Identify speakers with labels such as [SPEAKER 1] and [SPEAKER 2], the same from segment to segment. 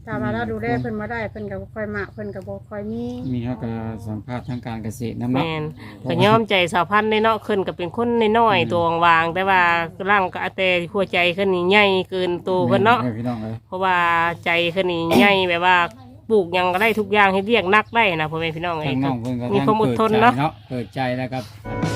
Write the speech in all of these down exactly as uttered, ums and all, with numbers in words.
[SPEAKER 1] ถ้าว่าเราดูแลเพิ่นบ่ได้เพิ่นก็บ่ค่อยมักเพิ่นก็บ่ค่อยมี
[SPEAKER 2] มีเฮาก็สัมภาษณ์ทางการเกษตรนำเนาะ
[SPEAKER 3] แม่นก็ยอมใจสาวพันธุ์เนาะขึ้นก็เป็นคนน้อยๆตัววางแต่ว่าร่างก็แต่หัวใจขึ้นนี่ใหญ่เกินตัวเพิ่นเนาะ
[SPEAKER 2] พี่น้องเอ้ย
[SPEAKER 3] เพราะว่าใจขึ้นนี่ใหญ่แบบว่าปลูกหยังก็ได้ทุกอย่างให้เรียกนักได้นะพ่อแม่พี่น้องเอ้
[SPEAKER 2] ทาย งน้องเพิ่นก็
[SPEAKER 3] มีความอดทนเนาะ
[SPEAKER 2] เปิดใจแล้วครับ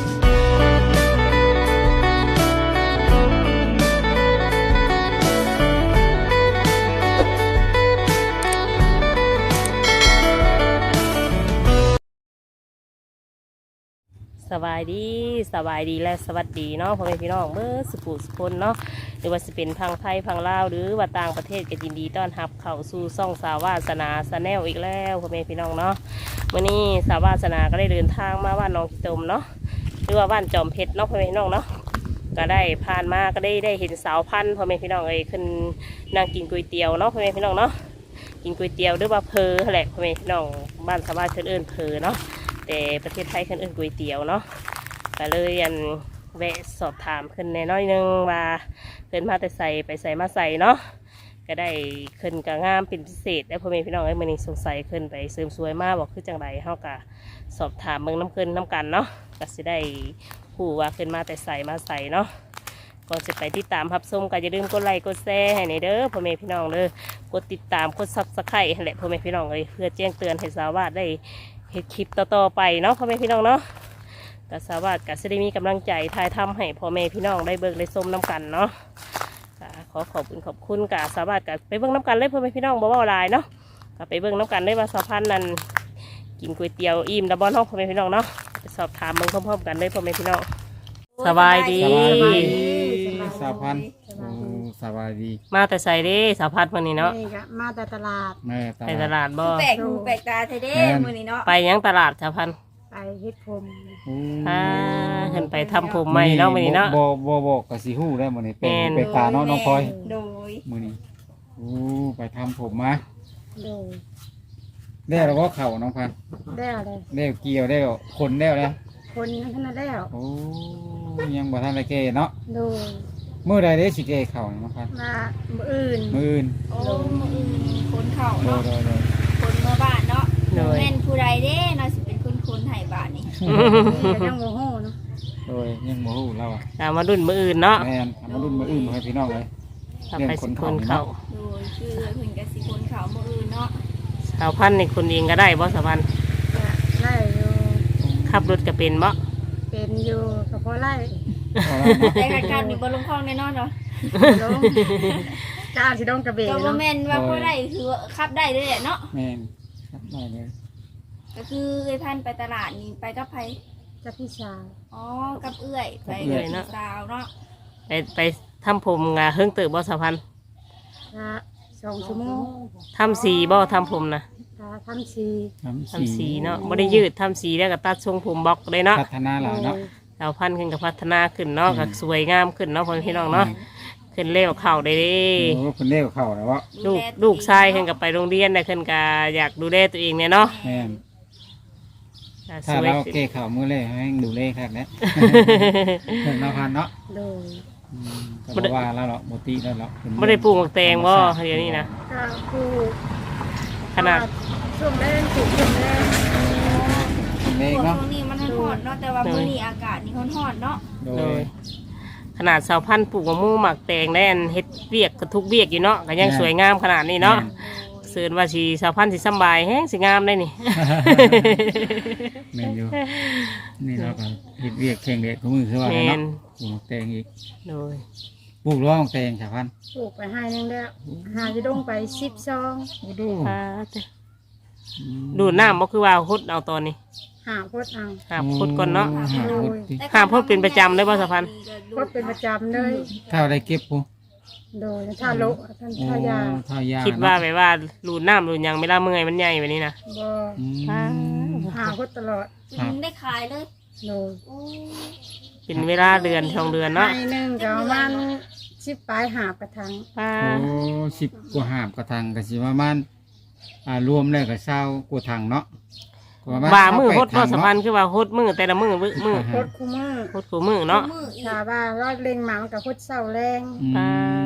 [SPEAKER 3] สบายดีสบายดีและสวัสดีเนาะพ่อแม่พี่น้องเมื่อสุขุสุคนเนาะหรือว่าจะเป็นพังไทยพังลาวหรือว่าต่างประเทศก็ยินดีต้อนรับเข้าสู่ซ่องสาวาสนาสแนลอีกแล้วพ่อแม่พี่น้องเนาะวันนี้สาวาสนาก็ได้เดินทางมาบ้านน้องขี้ตมเนาะหรือว่าบ้านจอมเพชรเนาะพ่อแม่พี่น้องเนาะก็ได้ผ่านมาก็ได้ได้เห็นสาวพันธุ์พ่อแม่พี่น้องเอ้ยขึ้นนั่งกินก๋วยเตี๋ยวเนาะพ่อแม่พี่น้องเนาะกินก๋วยเตี๋ยวหรือว่าเพอแหละพ่อแม่พี่น้องบ้านสาวาเชิญเอิญเพอเนาะแต่ประเทศไทยขึ้นเอิญก๋วยเตี๋ยวเนาะก็เลยยันแวะสอบถามขึ้นในน้อยนึงว่าขึ้นมาแต่ใส่ไปใส่มาใส่เนาะก็ได้ขึ้นกับงามเป็นพิเศษแล้วพ่อแม่พี่น้องไอ้เมื่อนี้สงสัยขึ้นไปเสริมสวยมากบอกคือจังไรเฮากะสอบถามเมืองน้ำขึ้นน้ำกันเนาะก็จะได้ผู้ว่าขึ้นมาแต่ใส่มาใส่เนาะก่อนจะไปติดตามรับชมก็อย่าลืมกดไลค์กดแชร์ให้ในเด้อพ่อแม่พี่น้องเด้อกดติดตามกดซับสไครต์ให้แหละพ่อแม่พี่น้องเลยเพื่อแจ้งเตือนให้สาวาสได้เห็นคลิปต่อๆไปเนาะพ่อแม่พี่น้องเนาะก็สาวาสก็จะได้มีกำลังใจถ่ายทำให้พ่อแม่พี่น้องได้เบิกได้ชมน้ำกันเนาะขอขอบคุณขอบคุณกับสาวาสก็ไปเบิ่งน้ำกันเลยพ่อแม่พี่น้องบ่เว้าหลายเนาะก็ไปเบิ่งน้ำกันเลยว่าสาวพันธุ์นั้นกินก๋วยเตี๋ยวอิ่มดับบอนห้องพ่อแม่พี่น้องเนาะไปสอบถามเบิ่งพร้อมๆกันเลยพ่อแม่พี่น้องสบายดี
[SPEAKER 2] สาวพันธุ์สบายดี
[SPEAKER 3] มาแต่ใส่เด้สาวพันธุ์วันนี้เนาะ
[SPEAKER 1] นี่ก็มาแต่ตลาด
[SPEAKER 2] แม่
[SPEAKER 3] ไปตลาดบ่
[SPEAKER 4] แปลกหูแปลกตาเทเด้มื้อนี้เนาะ
[SPEAKER 3] ไปยังตลาดสาวพันธุ์
[SPEAKER 1] ไปเฮ็ดผม
[SPEAKER 3] อ่าขึ้นไปทำผมใหม่เนาะมื้อนี้เนาะ
[SPEAKER 2] บ่บ่บอกก็สิฮู้ได้มื้อนี้เป็นเป็นตาเนาะน้องพลอย
[SPEAKER 4] โดย
[SPEAKER 2] มื้อนี้โอ้ไปทำผมมา
[SPEAKER 1] โดย
[SPEAKER 2] ได้แล้วบ่เข้าน้องพันธุ์
[SPEAKER 1] ได้อะไร
[SPEAKER 2] ได้เกี่ยวได้คนแล้วแล้ว
[SPEAKER 1] คนนั้นขนาดแล้ว
[SPEAKER 2] โอ้ยังบ่ทันได้เกเนาะ
[SPEAKER 1] โดย
[SPEAKER 2] มื้อใดได้สิเกเข้าน้องพันธุ์
[SPEAKER 1] มามื้ออื่น
[SPEAKER 2] มื้ออื่น
[SPEAKER 4] โอ้มื้ออื่นคนเข่า
[SPEAKER 2] โด
[SPEAKER 4] เนาะ
[SPEAKER 2] ยโดยโดย
[SPEAKER 4] คนเมื่อบ้านเนาะ
[SPEAKER 3] โดย
[SPEAKER 4] แม่นผู้ใดเด้เนาะสิเป็นคนคนไห้บ้านนี่
[SPEAKER 1] ก็ยังโมโหเนาะ
[SPEAKER 2] โดยยังบ่ฮู้เราอ่ะ
[SPEAKER 3] ตามมาดุนมืออื่นเนาะ
[SPEAKER 2] แม่นเอามารุ่นมื้ออื่นบ่ให้พี่น้องเลย
[SPEAKER 3] ทำไปสิคนเขา
[SPEAKER 4] โดยชื่อเพิ่นก็สิคนเข่ามื้ออื่นเนาะ
[SPEAKER 3] สาวพันธุ์ในคนเองก็ได้บ่สาวพันธุ์
[SPEAKER 1] ก็ไล่อยู่
[SPEAKER 3] ขับรถก็เป็นบ่
[SPEAKER 1] เป็นอยู่ก็พอไล่
[SPEAKER 4] แต่การการมีบ่ลงคลองแน่นอนเนาะ
[SPEAKER 1] ลงก้าวที่ดงกระเบน
[SPEAKER 4] ก็บ่
[SPEAKER 1] เนาะ
[SPEAKER 4] แม่นว่าบ่ได้คือว่าขับได้เลยแหละเนาะ
[SPEAKER 2] แม่นครับได้เลย
[SPEAKER 4] ก็คือเอ้ยพันไปตลาดนี่ไปกับไผ
[SPEAKER 1] กับพี่ชาย
[SPEAKER 4] อ๋อกับเอื้อยไปกับพี่สาวเนาะ
[SPEAKER 3] ไปไปทำผมงาเฮิงเติบบ่สาวพันธุ์
[SPEAKER 1] ก็สองชั่วโมง
[SPEAKER 3] ทำสีบ่ทำผมนะ
[SPEAKER 1] ก็ทำสี
[SPEAKER 2] ทำ
[SPEAKER 3] ทำสีเนาะบ่ได้ยืดทำสีแล้วก็ตัดทรงผมบล็อกเลยเนาะ
[SPEAKER 2] พัฒนาหลายเนาะ
[SPEAKER 3] สาวพันธุ์ขึ้นกับพัฒนาขึ้นเนาะก็สวยงามขึ้นเนาะพ่อพี่น้องเนาะขึ้นเร็วเข่าได้เด้
[SPEAKER 2] โอ้คุณเลี้ยวเข้าแล้ววะ
[SPEAKER 3] ลูกลูกชายขึ้นกับไปโรงเรียนได้ขึ้นก็อยากดูแลตัวเองเนี่ยเนาะ
[SPEAKER 2] แม่น
[SPEAKER 3] ก็ส
[SPEAKER 2] ถ้า
[SPEAKER 3] วย
[SPEAKER 2] เรา
[SPEAKER 3] ขึ้น
[SPEAKER 2] เก้เข้ามือเลยให้ดูเลขครับเนี่ยเพิ่นมาพันเนาะ
[SPEAKER 1] โดย
[SPEAKER 2] อืมก็บ่ว่าแล้วหรอกบ่ติแล้วหรอก
[SPEAKER 3] บ่ได้ปลูกหมากแตงบ่เดี๋ยวนี้นะ
[SPEAKER 1] ก็คือ
[SPEAKER 3] ขนาด
[SPEAKER 1] ช่วงแรกถูกช่วงแรก
[SPEAKER 2] เลข
[SPEAKER 4] ช่ว
[SPEAKER 2] เนาะ
[SPEAKER 4] งนี้มันร้อนเนาะแต่ว่ามื้อนี้อากาศนี่ร้อนๆเนาะ
[SPEAKER 2] โด
[SPEAKER 3] โด
[SPEAKER 2] ย
[SPEAKER 3] ยขนาดสาวพันธุ์ปลูกมะม่วงหมักแตงได้อันเฮ็ดเวียกก็ทุกเวียกอยู่เนาะก็ยังสวยงามขนาดนี้เนาะเสือนว่าสิสาวพันธุ์สิสำบายแฮงสิงามได้นี่
[SPEAKER 2] แม่นอยู่นี่เราก็เฮ็ดเวียกแข่งเด็กของมือคือว่า
[SPEAKER 3] แม่
[SPEAKER 2] เนาะ
[SPEAKER 3] น
[SPEAKER 2] ปลูกแตงอีก
[SPEAKER 3] โดย
[SPEAKER 2] ปลูกร้องแตงชาวพันธุ์
[SPEAKER 1] ปลูกไปให้นึงแล้วหาจะดงไปสิบซอง
[SPEAKER 2] โอ้ดู
[SPEAKER 3] อ่าเด้อดูดน้ำบ่คือว่าฮดเอาตอนนี้
[SPEAKER 1] หาพดเอา
[SPEAKER 3] หาพดก่อนเนาะ
[SPEAKER 2] หาพดดิ
[SPEAKER 3] ห้ามพดเป็นประจำเลยบ่สะพัน
[SPEAKER 1] พดเป็นประจำเลย
[SPEAKER 2] ถ้าได้เก็บปุ๊
[SPEAKER 1] โดยถ้าโลท่าน
[SPEAKER 2] โอ้
[SPEAKER 1] ทายา
[SPEAKER 2] ทายา
[SPEAKER 3] คิดว่า
[SPEAKER 2] เนะ
[SPEAKER 3] แบบว่ารูดน้ำรูดหยังเวลาเมื่อยมันใหญ่แบบนี้นะ
[SPEAKER 1] บ่
[SPEAKER 2] อืม
[SPEAKER 3] อ่า
[SPEAKER 1] หาพดตลอด
[SPEAKER 4] จึงได้ขายเลย
[SPEAKER 1] โดย
[SPEAKER 4] โอ้
[SPEAKER 3] เป็นเวลาเดือนสองเดือนเนาะ
[SPEAKER 1] ให้หนึ่งก็ประมาณสิบปลายหาบกระทัง
[SPEAKER 3] อ่า
[SPEAKER 2] โอ้สิบกว่าหาบกระทังก็สิประมาณอ่ารวมแล้วก็เศร้ากว่าถังเนาะก็ประณ
[SPEAKER 3] ว่ามือฮด
[SPEAKER 2] เก้า
[SPEAKER 3] บ่
[SPEAKER 2] แปถัง
[SPEAKER 3] สะพันคือว่าฮดมือแต่ละมือมือมือ
[SPEAKER 1] พดคู่มือ
[SPEAKER 3] ฮดขู่มือเนาะ
[SPEAKER 4] มืออีก
[SPEAKER 1] ถ้าว่าเราเล็งหมามันกับพดเศร้าแรง
[SPEAKER 2] อืม
[SPEAKER 3] อ่าบ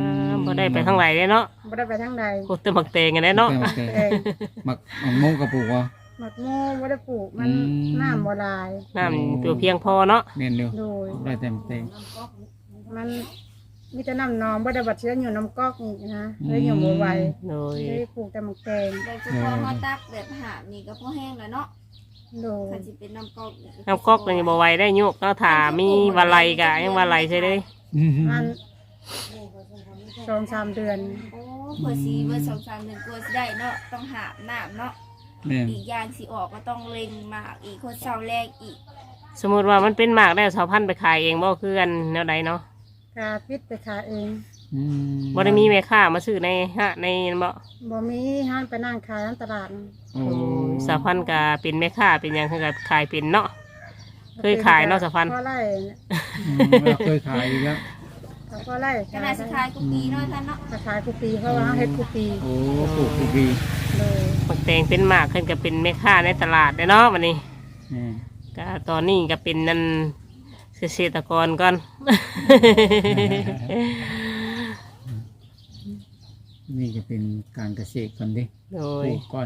[SPEAKER 3] บ่ได้ไปทางไหนเลยเนาะ
[SPEAKER 1] บ่ได้ไปทางใด
[SPEAKER 3] โคตรหมักแตงกันได้เนาะ
[SPEAKER 2] โอเค
[SPEAKER 1] เอง
[SPEAKER 2] หมักหมักมุงกระปุกวะ
[SPEAKER 1] หมักโม่บ่ได้ปลูกมัน
[SPEAKER 2] อืม
[SPEAKER 1] น้ำบ่หลาย
[SPEAKER 3] น้ำตัวเพียงพอเนาะ
[SPEAKER 2] เมียนเดียว
[SPEAKER 1] โดย
[SPEAKER 2] ได้เต็มเต็ม
[SPEAKER 1] มันมีแต่น้ำนองบ่ได้บัดเชื้ออยู่น้ำก๊อกอีกนะเลยอยู่บ่ไหว
[SPEAKER 3] โดย
[SPEAKER 1] เลยปลูกแต่หมักแตง
[SPEAKER 4] โดยเฉพาะเฮาตักแบบหาบนี่ก็พอแห้งแล้วเนาะ
[SPEAKER 1] โดย
[SPEAKER 4] คันสิเป็นน้ำก๊อก
[SPEAKER 3] น้ำก๊อกนี่บ่ไหวได้ยุกเนาะถ้ามีวาไลกะยังวาไลใช่เด้
[SPEAKER 1] มันสองสามเดือน
[SPEAKER 4] โอ้เพื่อสีเบอร์สองสามเดือนกลัวสิได้เนาะต้องหาบน้ำเนาะ
[SPEAKER 2] แม่น
[SPEAKER 4] อีกอย่างสิออกก็ต้องเล็งหมากอีกคนเสาแรกอีก
[SPEAKER 3] สมมุติว่ามันเป็นหมากได้สาวพันธุ์ไปขายเองบ่คือกันแนวใดเนาะ
[SPEAKER 1] กาพิษไปขายเอง
[SPEAKER 2] อืม
[SPEAKER 3] บ่ได้มีแม่ค้ามาซื้อในฮะในบ่
[SPEAKER 1] บ่มีห้านไปนั่งขายในตลาด
[SPEAKER 2] โอ้
[SPEAKER 3] สาวพันธุ์ก็เป็นแม่ค้าเป็นหยังคือก็ขายเป็นเนาะ เคยขายเนาะสะพัน
[SPEAKER 1] พ่อไร่เนี่ย
[SPEAKER 2] อืมเราเคยขายอยู่แล้ว
[SPEAKER 1] ก็พ่อไร่
[SPEAKER 4] ขนาดสุดท้ายก็ปีเนาะท่านเนาะ
[SPEAKER 1] ก็ขายกุปีเพราะว่าเฮ็ดกุปี
[SPEAKER 2] โอ้ปลูกทุกปี
[SPEAKER 1] เลย
[SPEAKER 3] หมักแตงเป็นหมากขึ้นก็เป็นแม่ค้าในตลาดเด้อเนาะวันนี้
[SPEAKER 2] แม่น
[SPEAKER 3] ก็ตอนนี้ก็เป็นนั่นเกษตรกรก่อน
[SPEAKER 2] นี่จะเป็นการเกษตรก่อนดิ
[SPEAKER 3] โด
[SPEAKER 2] ป
[SPEAKER 3] ย
[SPEAKER 2] ลูกก่อน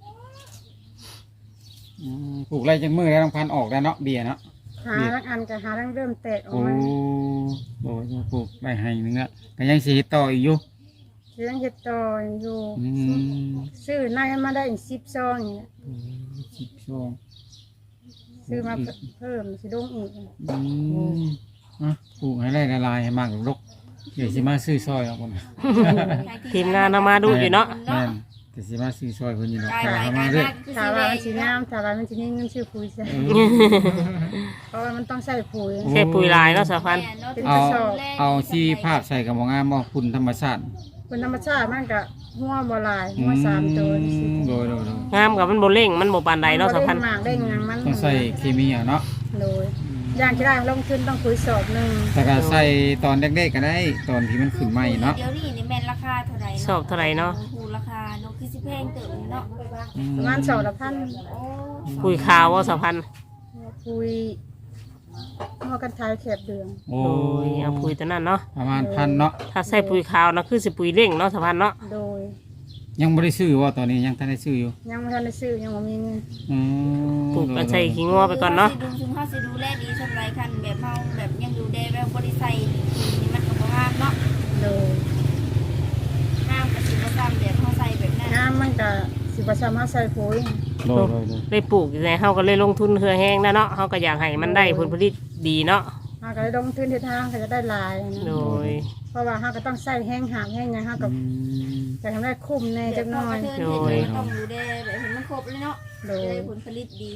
[SPEAKER 2] อืมปลูกไรจังมือแล้วต้องพันออกแล้วเนาะเบียร์เนาะ
[SPEAKER 1] หาทั้งอันก็หาทั้งเริ่มแตกออก
[SPEAKER 2] โอ้
[SPEAKER 1] มา
[SPEAKER 2] โหปลูกได้ให้หนึงละก็ยังสีต่ออีกอยู่
[SPEAKER 1] เลี้ยงเห็ดต่ออยู่
[SPEAKER 2] อืม
[SPEAKER 1] ซื้อในมาได้อีกสิบซองอย่างเงี้ย
[SPEAKER 2] สิบช่วง
[SPEAKER 1] ซื้อมาเพิ่มสิลงอีก
[SPEAKER 2] อืมอ่ะปลูกให้ไร่ละลายให้มากรกเดี๋ยวสิมาซื้อซอยเอาคน
[SPEAKER 3] ทีมงานเอามาดูอยู่เนาะ
[SPEAKER 2] แม่นแต่สิมาซื้อซอยคนอยู่เนาะ
[SPEAKER 4] กาย
[SPEAKER 2] ขาย
[SPEAKER 4] ไว้
[SPEAKER 2] เข้าก
[SPEAKER 4] า
[SPEAKER 2] มาเรื่อย
[SPEAKER 4] ยากคือ
[SPEAKER 1] ถ้า
[SPEAKER 4] สิ
[SPEAKER 1] ว่า
[SPEAKER 4] ได้
[SPEAKER 1] มันสีน้ำถ้าว่ามันสีนี้เงินชื่อปุ๋ยใช่
[SPEAKER 2] เออ
[SPEAKER 1] เพราะว่ามันต้องใส่ปุ๋ย
[SPEAKER 3] ใช้ปุ๋ยลายเนาะสาวพันธุ์
[SPEAKER 2] เอาเอาชีภาพใส่กับหมองามบ่คุณธรรมชาติ
[SPEAKER 1] เป็นธรรมชาติมันก็หัวบ่หลายหัวสามตัวนี่สิ
[SPEAKER 2] อืมโดยโดยโดย
[SPEAKER 3] งามกับมันโบเร่งมันโบปานใดเนาะสาวพันธุ์
[SPEAKER 1] หมากได้หยังมัน
[SPEAKER 2] ต้องใส่เคมีเอาเนาะ
[SPEAKER 1] โดยอย่างที่ได้ลงทุนต้องคุยสอบหนึ่ง
[SPEAKER 2] แต่ก็ใส่ตอนเด็กๆก็ได้ตอนที่มันขึ้นใหม่เนาะ
[SPEAKER 4] เดี๋ยวนี้นี่แม่นราคาเท่าไหร่
[SPEAKER 3] ชอบเท่าไหร่เนาะ
[SPEAKER 4] หูราคาเนาะคือสิแพงเติมเนาะ
[SPEAKER 2] อื
[SPEAKER 1] ประมาณสองละพัน
[SPEAKER 4] โอ้
[SPEAKER 3] ปุ๋ยขาวว่าสาวพันธุ์
[SPEAKER 1] คุยหัวกันทายแคบเดือง
[SPEAKER 2] โอ้
[SPEAKER 3] โอ้ยเอาปุ๋ยตัวนั้นเนาะ
[SPEAKER 2] ประมาณพันเนาะ
[SPEAKER 3] ถ้าใส่ปุ๋ยขาวนะคือสิปุ๋ยเร่งเนาะสาวพันธุ์เนาะ
[SPEAKER 1] โดย
[SPEAKER 2] ยังไม่ได้ซื้อว่าตอนนี้ยังทันได้ซื้ออยู่
[SPEAKER 1] ยังไม่ทันได้ซื้อยังไม่มีเงิน
[SPEAKER 2] อืม
[SPEAKER 3] ปลูกก็ใส่ขี้งัวไปก่อนเนาะ
[SPEAKER 4] ดูซุมเฮาสิดูแลดีสำหรับคันแบบเฮาแบบยังดูแลแบบบ่ได้ใส่นี่มันก็บ่งามเนาะ
[SPEAKER 1] โดย
[SPEAKER 4] งามก็สิบ่ซ้ำแบบเฮาใส่แบบนั้น
[SPEAKER 1] น้ำมันก็สิบสามารถใส่ปุ๋ย
[SPEAKER 2] โดยโดยโดย
[SPEAKER 3] ได้ปลูกอยู่ไงเฮาก็เลยลงทุนเฮือแห้งนะเนาะเฮาก็อยากให้มันได้ผลผลิตดีเนาะ
[SPEAKER 1] เราก็เลยลงทุนที่ทางก็จะได้หลายนะ
[SPEAKER 3] โดย
[SPEAKER 1] เพราะว่าเราก็ต้องใส่แห้งหามแห้งหยังเราก็
[SPEAKER 2] อืม
[SPEAKER 1] จะทำได้คุ้มแน่จักหน่อย
[SPEAKER 4] โดยต้องดูแลแบบให้มันครบเลยเนาะ
[SPEAKER 1] โด
[SPEAKER 4] จะ
[SPEAKER 1] ย
[SPEAKER 4] ได้ผลผลิตดี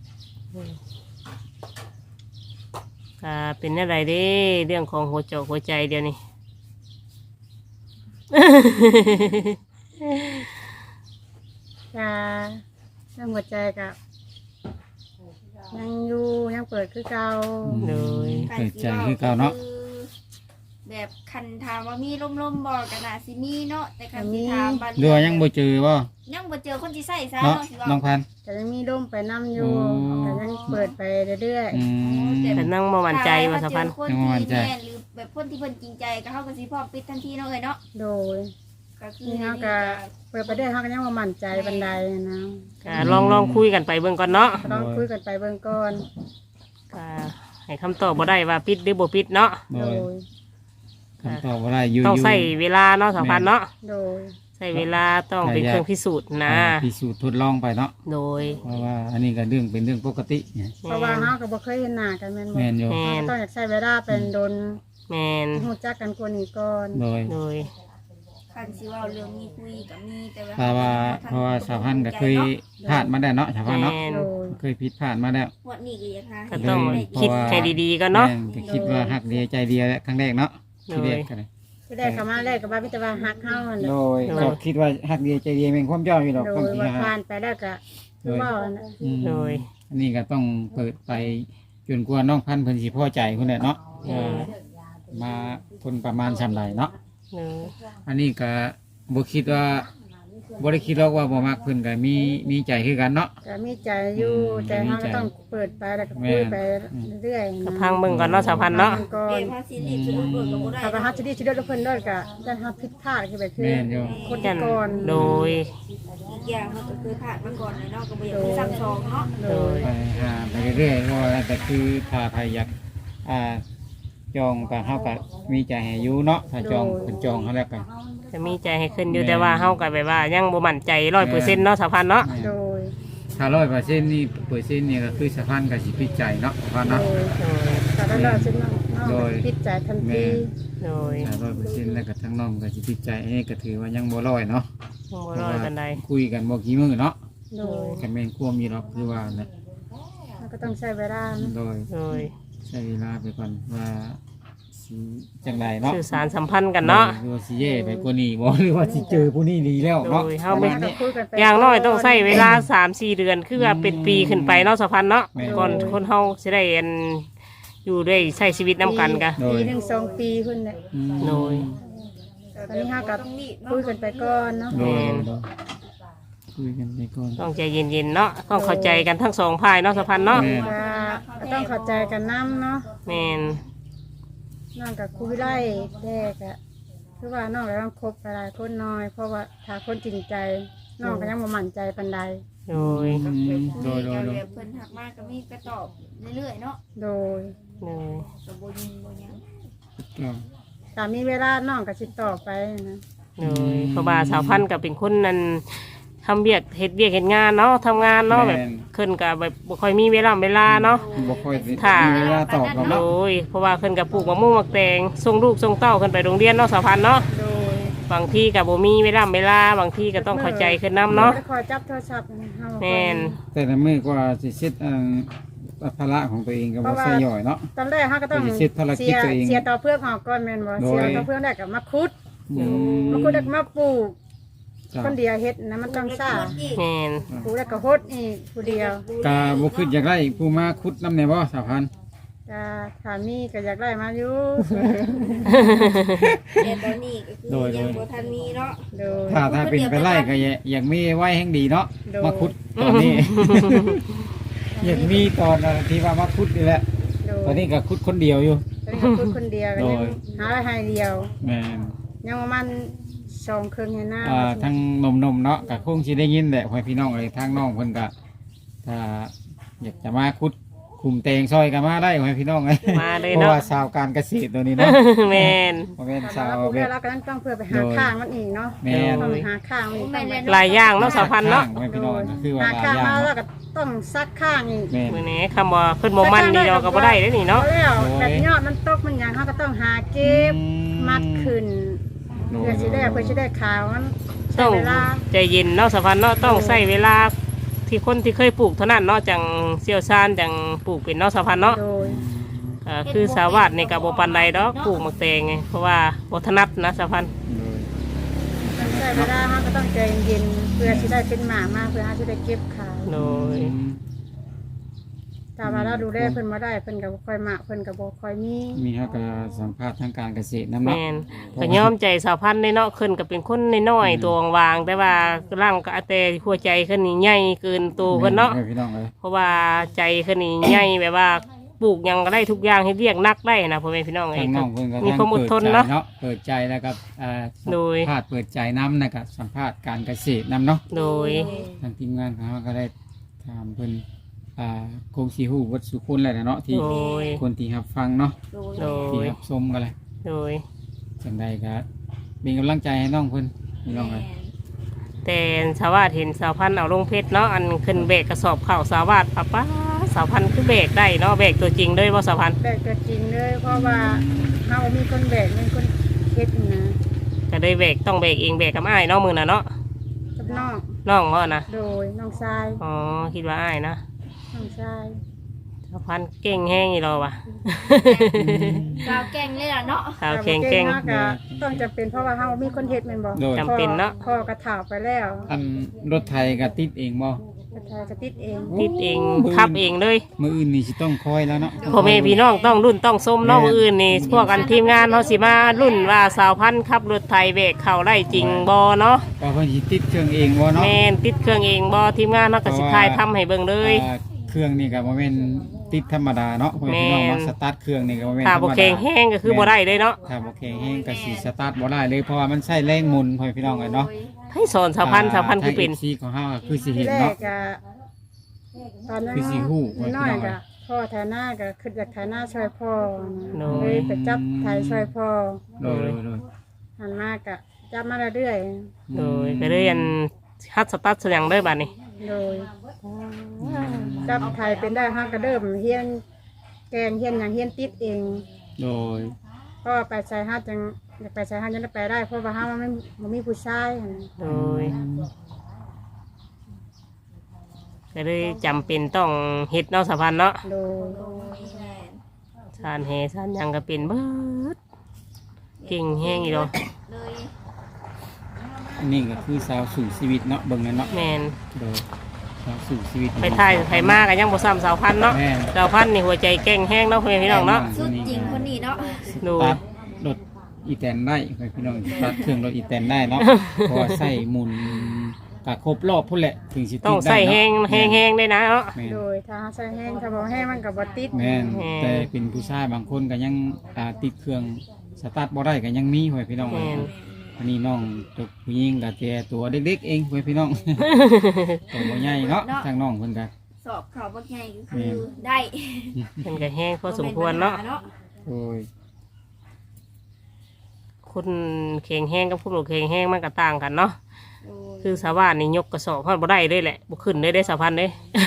[SPEAKER 3] ก็เป็นอะไรเด้เรื่องของหัวใจหัวใจเดียวนี้
[SPEAKER 1] จะเรื่องหัวใจกับยังอยู่ยังเปิดคือเก่า
[SPEAKER 3] โดย
[SPEAKER 2] เปิดใจคือเก่าเนาะ
[SPEAKER 4] แบบคันถามว่ามีล่มๆบ่ก็น่าสิมีเนาะแต่คันสิถามบัด
[SPEAKER 2] เรือยังบ่เจอบ่
[SPEAKER 4] ยังบ่เจอคนที่ใส่ซะ
[SPEAKER 2] เนาะ
[SPEAKER 4] เนาะสิว่า
[SPEAKER 2] น้องพันธุ์
[SPEAKER 1] แต่ยังมีร่มไปน้ำอยู่
[SPEAKER 2] อ๋อ
[SPEAKER 1] แต่ยังเปิดไปเรื่อย
[SPEAKER 2] อืม
[SPEAKER 3] แต่นั่งมาหวั่นใจว่าสะพัน
[SPEAKER 4] ถ้า
[SPEAKER 2] ยังบ่มั่
[SPEAKER 4] ว่าน เจ
[SPEAKER 2] ใจ
[SPEAKER 4] อคนที่แม่นหรือแบบคนที่เพิ่นจริงใจก็เฮาก็สิพร้อมปิดทันทีเนาะเอ้ยเนาะ
[SPEAKER 1] ๆ โดย
[SPEAKER 4] ก็คือ
[SPEAKER 1] นี่เขาก็เปิดไปเรื่อยเขาก็ยังว่ามั่นใจบันไดนะ
[SPEAKER 3] ก็ลองลองคุยกันไปเบิ่งก่อนเนาะ
[SPEAKER 1] ก็ต้องคุยกันไปเบื้องก่อน
[SPEAKER 3] ก็ให้คำตอบบ่ได้ว่าปิดหรือบ่ปิดเนาะ
[SPEAKER 2] โด
[SPEAKER 1] โด
[SPEAKER 2] ย
[SPEAKER 1] ย
[SPEAKER 2] คำตอบว่าได้อยู่
[SPEAKER 3] ต้อง
[SPEAKER 2] อยู่
[SPEAKER 3] ใส่เวลาเนาะสะพันเนาะ
[SPEAKER 1] โดย
[SPEAKER 3] ใส่เวลาต้องเป็นเครื่องพิสูจน์นะ
[SPEAKER 2] อ่าพิสูจน์ทดลองไปเนาะ
[SPEAKER 3] โดย
[SPEAKER 2] เพราะว่าอันนี้ก็เรื่องเป็นเรื่องปกติเนี่ย
[SPEAKER 1] เพราะว่าเขาก็บ่เคยเห็นหน้ากันแม่นบ่
[SPEAKER 2] แม่นอยู่
[SPEAKER 3] แม่
[SPEAKER 1] เขา
[SPEAKER 3] น
[SPEAKER 1] ก็ต้องอยากใช้เวลาเป็นโดน
[SPEAKER 3] แมน
[SPEAKER 1] รู้จักกันกว่านี้ก่อน
[SPEAKER 2] โดย
[SPEAKER 3] โดย
[SPEAKER 4] คันสิเว้าเรื่องมีคุยก็มีแต่ว่า
[SPEAKER 2] เพราะว่าเพราะว่าสาวพันธุ์ก็เคยพลาดมาได้เนาะสาวพันธุ์เนาะ
[SPEAKER 3] แม่น
[SPEAKER 1] โดย
[SPEAKER 2] เคยผิดพลาดมาแล้ว
[SPEAKER 4] งวดนี้ก็อยากหา
[SPEAKER 3] ก็ต้อง
[SPEAKER 2] เลย
[SPEAKER 3] คิดให้ดีๆกันเนาะ
[SPEAKER 2] แม่ก็คิดว่าหักเดียวใจเดียวแหละครั้งแรกเนาะที่แรกกันเลย
[SPEAKER 1] ที่ได้เข้ามาแรกก็ว่าพิจารณาฮักเฮานั่นแหละ
[SPEAKER 2] โดยก็คิดว่าหักเดียวใจเดียวเป็นความเจ้าอยู่หรอก
[SPEAKER 1] โด
[SPEAKER 2] ความ
[SPEAKER 1] ย
[SPEAKER 2] จริง
[SPEAKER 1] ว่า
[SPEAKER 2] ฮะ
[SPEAKER 1] ผ่านไปแล้วก็คือว่าอันนั้น
[SPEAKER 2] อืม
[SPEAKER 3] โดย
[SPEAKER 2] อันนี้ก็ต้องเปิดไปจนกว่าน้องพันธุ์เพิ่นสิพอใจคนแหละเนาะ
[SPEAKER 3] เออ
[SPEAKER 2] มาคนประมาณสำไรเนาะ
[SPEAKER 3] โดย
[SPEAKER 2] อันนี้ก็บ่คิดว่าบ่ได้คิดหรอกว่าบ่มักเพิ่นก็มีมีใจคือกันเนาะ
[SPEAKER 1] ก็มีใจอยู่
[SPEAKER 2] อืม
[SPEAKER 1] แต่เรา
[SPEAKER 2] มีใจ
[SPEAKER 1] ก็ต้องเปิดไปแล้วก็คุยไปเรื่อยๆ
[SPEAKER 3] ก็
[SPEAKER 1] นะ
[SPEAKER 3] พังเบิ่งก่อนเนาะสาวพันธุ์เนาะ
[SPEAKER 1] พังก่อ
[SPEAKER 4] เอ็
[SPEAKER 1] น
[SPEAKER 4] มพาสิรีบสรุปเบิกกับบ่ได้
[SPEAKER 1] ถ้าไปฮัตจะดีชิดด้วยเพิ่นด้วยก็จะฮัตผิดพลาดคือแบบคือ
[SPEAKER 2] แม่นอยู่
[SPEAKER 1] คนที่ก่อน
[SPEAKER 3] โดย
[SPEAKER 4] อีกอย่างมันก็คือผ่านมาก่อนเลยเนาะก็บ่อยากให้ซ้ำสองเนาะ
[SPEAKER 1] โดย
[SPEAKER 2] ไปหาไปเรื่อยๆว่าแต่คือถ้าใครอยากอ่าจองก็เฮาก็มีใจให้อยู่เนาะถ้าจองเพิ่นจองเฮาแล้วก็
[SPEAKER 3] จะมีใจให้ขึ้นอยู่แต่ว่าเฮาก็แบบว่ายังบ่มั่นใจร้อยเปอร์เซ็นต์เนาะสาวพันธุ์เนาะ
[SPEAKER 1] โดย
[SPEAKER 2] ถ้าร้อยเปอร์เซ็นต์นี่เปอร์เซ็นต์นี่ก็คือสะพานก็สิพิจัยเนาะสะพาน
[SPEAKER 1] โด
[SPEAKER 2] เนาะ
[SPEAKER 1] ยแต่ถ้าเราซึ่งน้องน้อง
[SPEAKER 2] โดย
[SPEAKER 1] ผิดใจทัน
[SPEAKER 2] แม่
[SPEAKER 1] ที
[SPEAKER 3] โดย
[SPEAKER 2] ถ้าร้อยเปอร์เซ็นต์แล้วก็ทั้งน้องก็สิพิจัยอันนี้ก็ถือว่ายังบ่ร้อยเนาะ
[SPEAKER 3] ยังบ่ร้อยปานใด
[SPEAKER 2] คุยกันบ่กี่มื้อเนาะ
[SPEAKER 1] โดย
[SPEAKER 2] ก็แม่นควมมีหรอกคือว่านะ
[SPEAKER 1] เราก็ต้องใช้เวลานะ
[SPEAKER 2] โดย
[SPEAKER 3] โดย
[SPEAKER 2] ใช้เวลาไปก่อนว่าสิจังไดเนาะ
[SPEAKER 3] สื่อสารสัมพันธ์กันเนาะ
[SPEAKER 2] หรือว่าสิเย่ไปกว่านี้บ่หรือว่าสิเจอผู้นี้ดีแล้วเนาะ
[SPEAKER 3] โดยเฮาไม่
[SPEAKER 2] ประณนี้
[SPEAKER 1] คุยกันไป
[SPEAKER 3] อย่างน้อยต้องใช้เวลา สามสี่ เดือนคือว่าเป็นปีขึ้นไปเนาะสาวพันธุ์เนาะ
[SPEAKER 2] แม่น
[SPEAKER 3] ก่อนคนเฮาสิได้อันอยู่ด้วยใช้ชีวิตนํกันกะ
[SPEAKER 2] โดย
[SPEAKER 1] ปีหนึ่งสองปีขึ้นเนี่ย
[SPEAKER 2] อืม
[SPEAKER 3] โดย
[SPEAKER 1] ตอนนี้ห้ากับ
[SPEAKER 4] ต้องรีบเนาะ
[SPEAKER 1] คุยกันไปก่อนเนาะ
[SPEAKER 2] โดยโดยคุยกันไปก่อน
[SPEAKER 3] ต้องใจเย็นๆเนาะต้องเข้าใจกันทั้งสองฝ่ายเนาะสาวพันธุ์เนาะ
[SPEAKER 2] แม่
[SPEAKER 1] ก็ต้องเข้าใจกันน้ำเนาะ
[SPEAKER 3] แม่น
[SPEAKER 1] น้องกับคุยไล่แรกอะคือว่าน้องก็ต้องคบหลายคนน้อย เพราะว่าถ้าคนจริงใจน้องก็ยังบ่มั่นใจปานใด
[SPEAKER 3] โดย
[SPEAKER 2] อืมโดยโดยโดย
[SPEAKER 4] แบบเพิ่นทักมาก็มีก็ตอบเรื่อยๆเนาะ
[SPEAKER 1] โดย
[SPEAKER 3] โดย
[SPEAKER 4] ก็บ่ยิงบ่หยัง
[SPEAKER 2] ก็
[SPEAKER 1] ถ้ามีเวลาน้องก็สิต่อไปนะ
[SPEAKER 3] โดยเพราะว่าสาวพันธุ์ก็เป็นคนนั้นทำเบียกเฮ็ดเบียกเฮ็ดงานเนาะทำงานเนาะแบบขึ้นก็แบบบ่ค่อยมีเวลาเวลาเนาะ
[SPEAKER 2] บ่ค่อย
[SPEAKER 3] ค่ะ
[SPEAKER 2] มีเวลาตอบหรอก
[SPEAKER 3] โด
[SPEAKER 2] เนาะ
[SPEAKER 3] ยเพราะว่าขึ้นกับปลูกมะม่วงมะแตงส่งลูกส่งเต้าขึ้นไปโรงเรียนเนาะสาวพันธุ์เนาะ
[SPEAKER 1] โดย
[SPEAKER 3] บางที่ก็บ่มีเวลาเวลาบางที่ก็ต้องเข้าใจขึ้นนํเนาะ
[SPEAKER 1] คอยจับโทรศัพท์นะเฮา
[SPEAKER 3] แม่น
[SPEAKER 2] แต่ละมื้อก็สิเซ็ตอันภาระของตัวเองก็บ่ใส่ย่อยเนาะ
[SPEAKER 1] ตอนแรกเฮาก็ต้อง
[SPEAKER 2] ไปเฮ็ดภารกิจตัวเอง
[SPEAKER 1] เสียต่อเพื่อกออกก่อนแม่นบ่
[SPEAKER 2] โดย
[SPEAKER 1] เสียต่อเพื่อกแรกก็มาคุด
[SPEAKER 2] อื
[SPEAKER 1] มาคุดแล้วก็มาปลูก
[SPEAKER 2] จ้ะ
[SPEAKER 1] คนเดียวเฮ็ดนะมันต้องซ่า
[SPEAKER 3] แม่น
[SPEAKER 1] ปลูกแล้วก็โฮดอีกผู้เดียว
[SPEAKER 2] กาบ่คิดอยากได้ผู้มาขุดน้ำแน่บ่สาวพันธุ์
[SPEAKER 1] จะถ้ามีก็อยากได้มาอยู่
[SPEAKER 4] แต่ตอนนี้ก็คือยังบ่ทันมีเนาะ
[SPEAKER 1] โดย
[SPEAKER 2] ถ้าถ้าเป็นไปไล่ก็อยากอยากมีไว้แห่งดีเนาะ
[SPEAKER 1] โดย
[SPEAKER 2] มาขุดตอนนี้ อยากมีตอนที่ว่ามาขุดนี่แหละ
[SPEAKER 1] โด
[SPEAKER 2] ตอย นนี้ก็ขุดคนเดียวอยู่
[SPEAKER 1] ตอนนี้ก็พูดคนเดียวก็ยัง
[SPEAKER 2] โดย
[SPEAKER 1] หาให้เดียว
[SPEAKER 2] แม่น
[SPEAKER 1] ยังประมาณสองเครื่องให้หน้า
[SPEAKER 2] อ่าทั้งนมๆเนาะก็คงสิได้ยินแหละพ่อพี่น้องเอ้ยทางน้องเพิ่นก็ถ้าอยากจะมาขุดคุมเตงซอยก็มาได้พ่อพี่น้องเอ้ย
[SPEAKER 3] มาเลย
[SPEAKER 2] เพราะ
[SPEAKER 3] เนาะ
[SPEAKER 2] ว่าชาวการเกษตรตัวนี้เนาะ
[SPEAKER 3] แม่น
[SPEAKER 2] บ่แม่น
[SPEAKER 1] ถ้า
[SPEAKER 2] ชาว
[SPEAKER 1] เราปลูก
[SPEAKER 2] แบ
[SPEAKER 1] แล้ว
[SPEAKER 2] บ
[SPEAKER 1] เราก็ต้องเพื่อไปหา
[SPEAKER 2] โดย
[SPEAKER 1] ข้างมันอีกเนาะ
[SPEAKER 2] แม่น
[SPEAKER 1] ต้องหาข้างมันอีกต้องไป
[SPEAKER 3] หลายอย่างเนาะสาวพันธุ์เนาะ
[SPEAKER 2] พ่อพี่น้องก็คือว่า
[SPEAKER 1] หา
[SPEAKER 2] หลาย
[SPEAKER 1] ข้าง
[SPEAKER 2] อย่าง
[SPEAKER 1] มาแล้ว
[SPEAKER 2] เนาะ
[SPEAKER 1] ก็ต้องซักข้างอีก
[SPEAKER 2] แม่น
[SPEAKER 3] มื้อนี้คำว่าขึ้นบ่มันนี่เราก็บ่ได้เด้อนี่เนาะ
[SPEAKER 1] อแล้ว
[SPEAKER 2] โดย
[SPEAKER 1] แบบยอดมันตกมันหยังเขาก็ต้องหาเก็บมัดขึ้น
[SPEAKER 2] โดย
[SPEAKER 1] เพื่อสิได้เพื่อสิได้ขาวมันใช้
[SPEAKER 3] ต้อง
[SPEAKER 1] เวลา
[SPEAKER 3] ใจเย็นเนาะสาวพันธุ์เนาะต้องใช้เวลาที่คนที่เคยปลูกเท่านั้นเนาะจังเชี่ยวชาญจังปลูกเป็นเนาะสาวพันธุ์เนาะ
[SPEAKER 1] โดย
[SPEAKER 3] อ่าคือสาวาดในกับโบปันใดดอกปลูกหมักแตงไงเพราะว่าโบถนัดนะสาวพันธุ์
[SPEAKER 1] ต้องใช้เวลาเขาก็ต้องใจเย็นๆเพื่อสิได้เป็นหมามาเพื่อเขาสิได้เก็บขาย
[SPEAKER 3] โดย
[SPEAKER 1] ถ้าว่าเราดูแลเพิ่นบ่ได้เพิ่นก็บ่ค่อยมาเพิ่นก็บ่ค่อยมี
[SPEAKER 2] มีเขาก็สัมภาษณ์ทางการเกษตรน้ำ
[SPEAKER 3] แม
[SPEAKER 2] เนาะ
[SPEAKER 3] นก็ยอมใจสาวพันธุ์ในเนาะขึ้นก็เป็นคนน้อยๆตัววางๆแต่ว่าร่างก็แต่หัวใจขึ้นนี่ใหญ่เกินตัวเพิ่นเนาะ
[SPEAKER 2] แม่พี่น้องเลย
[SPEAKER 3] เพราะว่าใจขึ้นนี่ใหญ่แบบว่าปลูกหยังก็ได้ทุกอย่างให้เรียกนักได้นะพ่อแม่พี่น้องเอ
[SPEAKER 2] ทาง
[SPEAKER 3] ง
[SPEAKER 2] น้องเพิ่นก็
[SPEAKER 3] มีความอดทนเนาะ
[SPEAKER 2] เปิดใจแล้วก็อ่า
[SPEAKER 3] โดย
[SPEAKER 2] สัมภาษณ์เปิดใจน้ำนะครับสัมภาษณ์การเกษตรน้ำเนาะ
[SPEAKER 3] โดย
[SPEAKER 2] ทางทีมงานของเขาก็ได้ถามเพิ่นอ่าคงสีหูวัดสุคนแหละเนาะที่
[SPEAKER 3] โดย
[SPEAKER 2] คนที่รับฟังเนาะ
[SPEAKER 4] โดย
[SPEAKER 3] โด
[SPEAKER 2] ที่
[SPEAKER 3] ย
[SPEAKER 2] รับชมกันเลย
[SPEAKER 3] โดย
[SPEAKER 2] จังใดก็เป็นกำลังใจให้น้องเพิ่นพี่น้องเลย
[SPEAKER 3] แต่สาวาดเห็นสาวพันธุ์เอาลงเพชรเนาะอันขึ้นเบรกกระสอบเข่าวสาวาดป้าป้าสาวพันธุ์คือเบรกได้เนาะเบรกตัวจริงด้วยว่าสาวพันธุ์
[SPEAKER 1] แบกตัวจริงเลยเพราะว่าเฮามีคนแบกมีคนเฮ็ดนะ
[SPEAKER 3] ก็ได้เบรกต้องเบรกเองเบรกกับอ้ายเนาะมือน่ะเนาะ
[SPEAKER 1] กับน้อง
[SPEAKER 3] น้องเขานะ
[SPEAKER 1] โดยน้องชาย
[SPEAKER 3] อ๋อคิดว่าอ้ายนะ
[SPEAKER 1] น้องชาย
[SPEAKER 3] สาวพันธุ์เก่งแห้งอีหรอวะ
[SPEAKER 4] กาวแกงเลยล่ะเนาะ
[SPEAKER 3] สาวเก่งเก่ง
[SPEAKER 1] เฮาก็ต้องจำเป็นเพราะว่าเฮามีคนเฮ็ดแม่นบ่
[SPEAKER 2] โดย
[SPEAKER 3] จำเป็นเนาะ
[SPEAKER 1] พ่อก็ถาวไปแล้ว
[SPEAKER 2] อันรถไทยก็ติดเองบ่
[SPEAKER 1] บรถไทยก็ติดเอง
[SPEAKER 3] ติดเองขับเองเลย
[SPEAKER 2] มื้ออื่นนี่สิต้องคอยแล้วเนาะ
[SPEAKER 3] พ่อแม่พี่น้องต้องรุ่นต้องส้มเน้องอื่นนี่พวกกันทีมงานเขาสิมารุ่นว่าสาวพันธุ์ขับรถไทยเบรกเข่าได้จริงบอเนาะ
[SPEAKER 2] ก็เพิ่นสิติดเครื่องเองบ่เนาะ
[SPEAKER 3] แมนติดเครื่องเองบอทีมงานเขาก็สิทายทำให้เบิ่งเลย
[SPEAKER 2] อ่าเครื่องนี่ก็บ่แม่นติดธรรมดาเนาะพ่อแม่พี่น้อง
[SPEAKER 3] แม่น
[SPEAKER 2] เนาะสตาร์ทเครื่องนี่ก็บ่แม่นธ
[SPEAKER 3] ถ้าร
[SPEAKER 2] รม
[SPEAKER 3] บ่
[SPEAKER 2] ดา
[SPEAKER 3] แข็งแห้งก็คือบ่ได้เลยเนาะ
[SPEAKER 2] ถ้าบ่แข็งแรงก็สิสตาร์ทบ่ได้เลยเพราะว่ามันใช้แรงหมุนพ่อแม่พี่น้องกันเนาะ
[SPEAKER 3] ให้สอนสาวพันธุ์สาวพันธุ์คือเป็น
[SPEAKER 2] ทาง เอฟ ซี ของเฮาก็คือสิ
[SPEAKER 1] ที่
[SPEAKER 2] เห็น
[SPEAKER 1] แร
[SPEAKER 2] เนาะ
[SPEAKER 1] กก็ตอนนั้น
[SPEAKER 2] คือสิฮู้
[SPEAKER 1] น้อย
[SPEAKER 2] ว่าพี่น้อง
[SPEAKER 1] ก็พ่อไทยหน้าก็คืออยากไทยหน้าช่วยพ่อ
[SPEAKER 3] โน้ย
[SPEAKER 1] เลยไปจับไทยช่วยพ่อ
[SPEAKER 2] โดยโดยโดย
[SPEAKER 1] หันมากะจับมาเรื่อย
[SPEAKER 3] โดยก็เลยอันฮัดสตาร์ทเสียงเด้อบัดนี้
[SPEAKER 1] ๆโดยจับไทยเป็นได้ห้ากระเดิมเฮียนแกงเฮียนอย่างเฮียนติดเอง
[SPEAKER 2] โดย
[SPEAKER 1] ก็ไปใส่ห้าจังอยากไปใส่ห้าจังได้ไปได้เพราะว่าห้ามันไม่มันมีผู้ชายหั่น
[SPEAKER 3] โดยก็เลยจำเป็นต้องเฮ็ดเนาะสาวพันธุ์เนาะ
[SPEAKER 1] โดย
[SPEAKER 4] แม่น
[SPEAKER 3] สานแหสานหยังก็เป็นเบิดเก่งแห้งอีดอก
[SPEAKER 4] เลย
[SPEAKER 2] อันนี้ก็คือสาวสู่ชีวิตเนาะเบิ่งนั่นเนาะ
[SPEAKER 3] แมน
[SPEAKER 2] โดยสาวสู่ชีวิต
[SPEAKER 3] ไปถ่ายไทยมากกันยังบ่ซ้ำสาวพันธุ์เนาะ
[SPEAKER 2] แม่น
[SPEAKER 3] สาวพันธุ์นี่หัวใจเก่งแห้งเนาะเพื่อนพี่น้องเนาะ
[SPEAKER 4] สุดจริงคนนี้เนาะ
[SPEAKER 3] ดู
[SPEAKER 2] ตัดรถอีแตนได้พ่อแม่พี่น้องตัดเครื่องรถอีแตนได้เนาะเพราะว่าใส่หมุนก็ครบรอบพุ่นแหละถึงสิติด
[SPEAKER 3] ต้องใส่
[SPEAKER 2] ได้
[SPEAKER 3] แห้ง
[SPEAKER 2] เนาะ
[SPEAKER 3] แห้งแห้งได้นะเนาะ
[SPEAKER 2] แม่น
[SPEAKER 1] โดยถ้าใส่แห้งถ้าบ่แห้งมันก็บ่ติด
[SPEAKER 2] แม่น
[SPEAKER 3] แม่น
[SPEAKER 2] แต่เป็นผู้ชายบางคนก็ยังอ่าติดเครื่องสตาร์ทบ่ได้ก็ยังมีพ่อแม่พี่น้อง
[SPEAKER 3] แม่น
[SPEAKER 2] อันนี้น้องตกผู้หญิงก็แก่ตัวเด็กๆเองพ่อแม่พี่น้อง ตัวบ่ใหญ่เนาะทางน้องเพิ่นก็
[SPEAKER 4] สอบเขาบักใหญ่ก็คือได้
[SPEAKER 3] มันก็แห้งพอสมควรเนาะ
[SPEAKER 2] โอ้ย
[SPEAKER 3] คนแข็งแห้งกับผู้หลงแข็งแห้งมันก็ต่างกันเนาะ
[SPEAKER 4] โอ้ย
[SPEAKER 3] คือสาวบ้านนี่ยกกระสอบพอดบ่ได้เลยแหละบ่ขึ้นได้ได้สาวพันธุ์เด้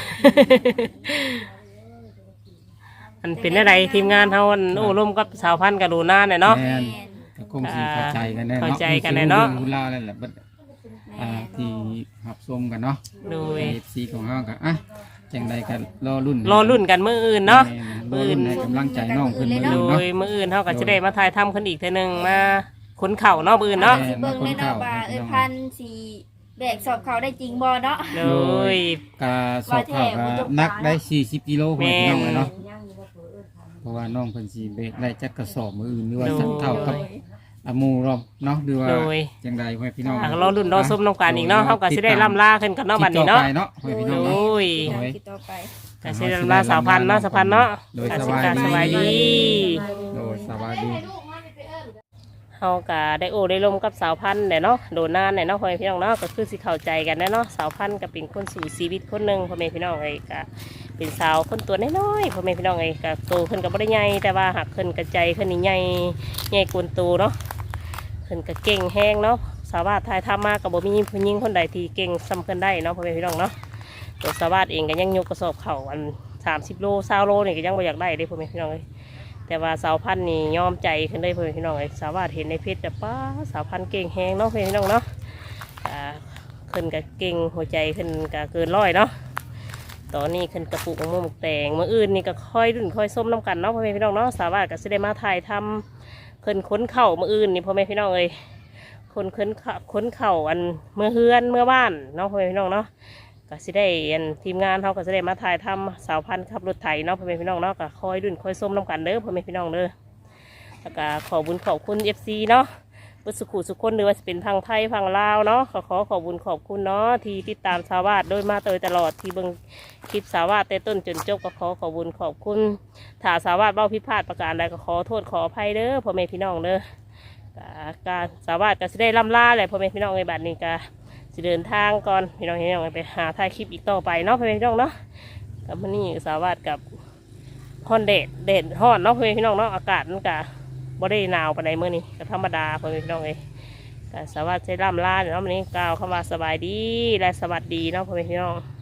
[SPEAKER 3] มันเป็นอะไรทีมงานเฮาอันโอ้ร่วมกับสาวพันธุ์กับดูหน้าเนี่ยเนาะ
[SPEAKER 2] แม่น
[SPEAKER 4] แม่น
[SPEAKER 2] ก็คงสิเข้าใจกันแน่เนาะ
[SPEAKER 3] เข้าใจกันแน่เนาะ
[SPEAKER 2] รู้รื่องรู้ราวนั่นแหละบัดอ่าที่รับชมกันเนาะ
[SPEAKER 3] โดย
[SPEAKER 2] เอฟซีของเฮาก็อ่ะจังใดก็รอรุ่น
[SPEAKER 3] รอรุ่นกันมื้ออื่นเนาะ
[SPEAKER 2] แม่รอรุ่นให้กำลังใจน้องเพิ่นมื้อ
[SPEAKER 3] โด
[SPEAKER 2] อื่นเนาะ
[SPEAKER 3] ยมื้ออื่นเฮาก็จะได้มาถ่ายทำขึ้นอีกเทื่อนึงมาขนเข่าเนาะมื้ออื่นเนาะ
[SPEAKER 4] สิเบิ่งเลยเนาะว่าเอ้ยพันสีแบกสอบเขาได้จริงบ่เนาะ
[SPEAKER 3] โดย
[SPEAKER 2] กาสอบเข้าก็นักได้สี่สิบกิโลพ่อแม่พี่น้องเลยเนาะเพราะว่าน้องเพิ่นสิเบรกได้จักกระสอบมื้ออื่นหรือว่าสักเท่ากับอาหมู่เราเนาะหรือว่า
[SPEAKER 3] โดย
[SPEAKER 2] จังใดพ่อแม่พี่น้อง
[SPEAKER 3] อ่ะรอรุ่นรอส้มน้ำกันอีกเนาะเฮาก็สิได้ล่ำลาขึ้นกันเนาะบัดนี้เนาะ
[SPEAKER 2] ติดต่อไปเนาะพ่อแม่พี่น้อง
[SPEAKER 3] โด
[SPEAKER 2] เนาะ
[SPEAKER 3] ย
[SPEAKER 2] โดย
[SPEAKER 4] ติดต่อไป
[SPEAKER 3] ก็สิได้ล่ำลาสาวพันธุ์เนาะสาวพันธุ์เนาะ
[SPEAKER 2] โดย
[SPEAKER 3] ก็
[SPEAKER 2] ส
[SPEAKER 3] สิ
[SPEAKER 2] บาย
[SPEAKER 3] กา
[SPEAKER 2] ดี
[SPEAKER 3] สบายดี
[SPEAKER 2] โดยสบายดี
[SPEAKER 3] เฮาก็ได้โอ้ได้ลมกับสาวพันธุ์แหละเนาะโดนนานแหละเนาะพ่อแม่พี่น้องเนาะก็คือสิเข้าใจกันแน่เนาะสาวพันธุ์ก็เป็นคนสู่ชีวิตคนหนึงพ่อแม่พี่น้องเอ้ยก็เป็นสาวคนตัวน้อยๆพ่อแม่พี่น้องเอ้ยก็โตขึ้นก็บ่ได้ใหญ่แต่ว่าหักขึ้นกระใจขึ้นนี่ใหญ่ใหญ่กวนโตเนาะขึ้นก็เก่งแฮงเนาะสาวาททายทำมาก็บ่มีผู้หญิงคนใดที่เก่งซ้ำขึ้นได้เนาะพ่อแม่พี่น้องเนาะตัวสาวาทเองก็ยังยกกระสอบเข่าอันสามสิบโลสามโลนี่ก็ยังบ่อยากได้เด้พ่อแม่พี่น้องเอ้ย แต่ว่าสาวพันธุ์นี่ยอมใจขึ้นได้เพื่อนพี่น้องไอ้สาวาดเห็นในเพจแต่ป้าสาวพันธุ์เก่งแหงเนาะเพื่อนพี่น้องเนาะอ่าขึ้นกับเก่งหัวใจขึ้นกับเกินร้อยเนาะตอนนี้ขึ้นกระปุกมะม่วงหมกแตงมื่ออื่นนี่ก็ค่อยรุ่นค่อยส้มน้ำกันเนาะพ่อแม่พี่น้องเนาะสาวาดก็สิได้มาถ่ายทำขึ้นค้นเข่ามื่ออื่นนี่พ่อแม่พี่น้องเอ้ยคนค้นเข่าค้นเข่าอันเมื่อเฮือนเมื่อบ้านเนาะพ่อแม่พี่น้องเนาะก็สิได้อันทีมงานเขาก็สิได้มาถ่ายทำสาวพันธุ์ขับรถไถเนาะพ่อแม่พี่น้องเนาะก็คอยดุนคอยส้มน้ำกันเด้อพ่อแม่พี่น้องเด้อแล้วก็ขอบุญขอบคุณเอฟซีเนาะบุสุขุสุขคนหรือว่าจะเป็นทางไทยทางลาวเนาะขอขอขอบุญขอบคุณเนาะที่ติดตามสาวาดโดยมาโดยตลอดที่เบิ่งคลิปสาวาดแต่ต้นจนจบก็ขอขอบุญขอบคุณถ้าสาวาดเบ้าผิดพลาดประการใดก็ขอโทษขออภัยเด้อพ่อแม่พี่น้องเด้อก็การสาวาดก็สิได้ล่ำลาแหละพ่อแม่พี่น้องในบัดนี้ก็สิเดินทางก่อนพี่น้องพี่น้องไปหาถ่ายคลิปอีกต่อไปเนาะพี่น้องเนาะกับมันนี่สาวาดกับฮอนเดดเดดฮอนเนาะพี่น้องเนาะอากาศมันกะบ่ได้หนาวปานใดมื้อนี้ก็ธรรมดาพี่น้องเอ้ยก็สาวาดใช้ล่ำลาเนาะมันนี้กล่าวคำว่าสบายดีและสวัสดีเนาะพี่น้อง